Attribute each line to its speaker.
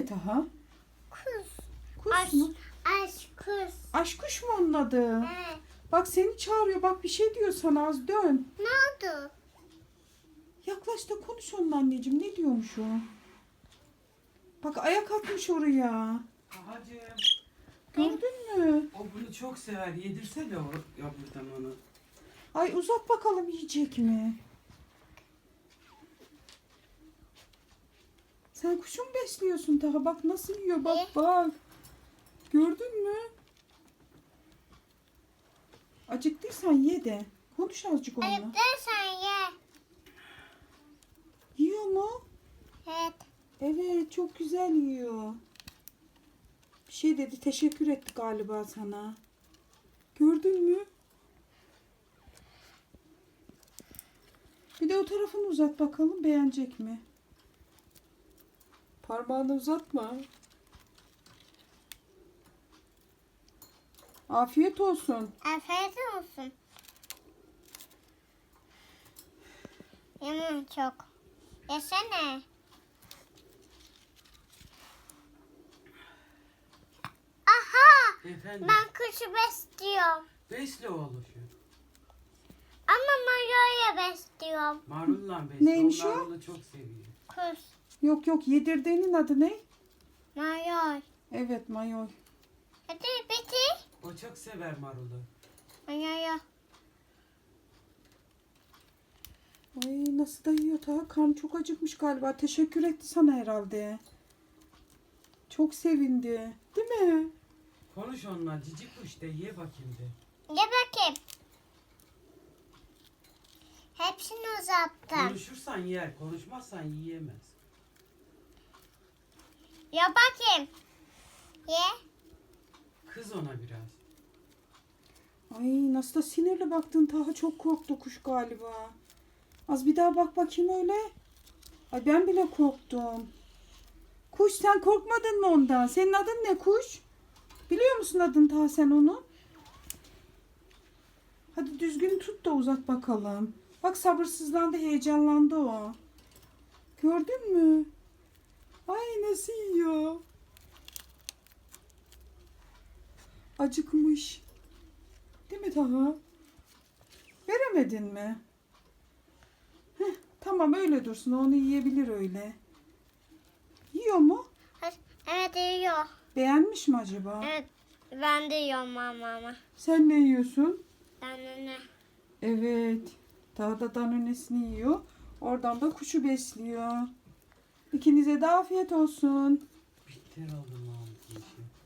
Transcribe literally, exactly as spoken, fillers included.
Speaker 1: Taha?
Speaker 2: Kuş.
Speaker 1: Kuş
Speaker 2: Aş,
Speaker 1: mu?
Speaker 2: aş kuş.
Speaker 1: Aşkuş mu onun adı?
Speaker 2: Evet.
Speaker 1: Bak seni çağırıyor. Bak bir şey diyor sana, az dön.
Speaker 2: Ne oldu?
Speaker 1: Yaklaş da konuş onunla anneciğim. Ne diyormuş o? Bak ayak atmış oraya.
Speaker 3: Tahacığım,
Speaker 1: Gördün mü?
Speaker 3: o bunu çok sever. Yedirsene o yavrudan onu.
Speaker 1: Ay uzat bakalım yiyecek mi? Sen kuşu mu besliyorsun Taha? Bak nasıl yiyor. Bak
Speaker 2: Ne?
Speaker 1: bak. Gördün mü? Acıktıysan ye de. Konuş azıcık onunla.
Speaker 2: Ayıp sen ye.
Speaker 1: Yiyor mu?
Speaker 2: Evet.
Speaker 1: Evet, çok güzel yiyor. Bir şey dedi, teşekkür etti galiba sana. Gördün mü? Bir de o tarafını uzat bakalım, beğenecek mi? Parmağını uzatma. Afiyet olsun.
Speaker 2: Afiyet olsun. Yemem çok. Yesene. Aha!
Speaker 3: Efendim,
Speaker 2: Ben kuşu besliyorum.
Speaker 3: besle oğlum şu.
Speaker 2: Ama Mario'ya besliyorum.
Speaker 3: Marulla besle.
Speaker 1: Neymiş
Speaker 3: o?
Speaker 1: o?
Speaker 3: Marul'u çok seviyor.
Speaker 2: Kuş.
Speaker 1: Yok yok, yedirdiğinin adı ne?
Speaker 2: Mario.
Speaker 1: Evet, mayoy.
Speaker 2: Hadi bitir.
Speaker 3: O çok sever marulu.
Speaker 2: Mario.
Speaker 1: Ay nasıl da yiyor Taha. Karnı çok acıkmış galiba. Teşekkür etti sana herhalde. Çok sevindi. Değil mi?
Speaker 3: Konuş onunla. Cici kuş de ye bakayım de.
Speaker 2: Ye bakayım. Hepsini uzattım.
Speaker 3: Konuşursan yer, konuşmazsan yiyemez.
Speaker 2: Ya bakayım. Ye.
Speaker 3: Kız ona biraz.
Speaker 1: Ay nasıl da sinirli baktın Taha. Çok korktu kuş galiba. Az bir daha bak bakayım öyle. Ay ben bile korktum. Kuş sen korkmadın mı ondan? Senin adın ne kuş? Biliyor musun adını Taha sen onu? Hadi düzgün tut da uzat bakalım. Bak sabırsızlandı, heyecanlandı o. Gördün mü? Ay nasıl yiyor? Acıkmış. Değil mi Taha? Veremedin mi? Heh, tamam öyle dursun. Onu yiyebilir öyle. Yiyor mu?
Speaker 2: Evet yiyor.
Speaker 1: Beğenmiş mi acaba?
Speaker 2: Evet. Ben de yiyorum mama.
Speaker 1: Sen ne yiyorsun?
Speaker 2: Ben de ne?
Speaker 1: Evet. Taha da danonesini yiyor. Oradan da kuşu besliyor. İkinize de afiyet olsun.
Speaker 3: Bitter aldım Mahmut'un işi.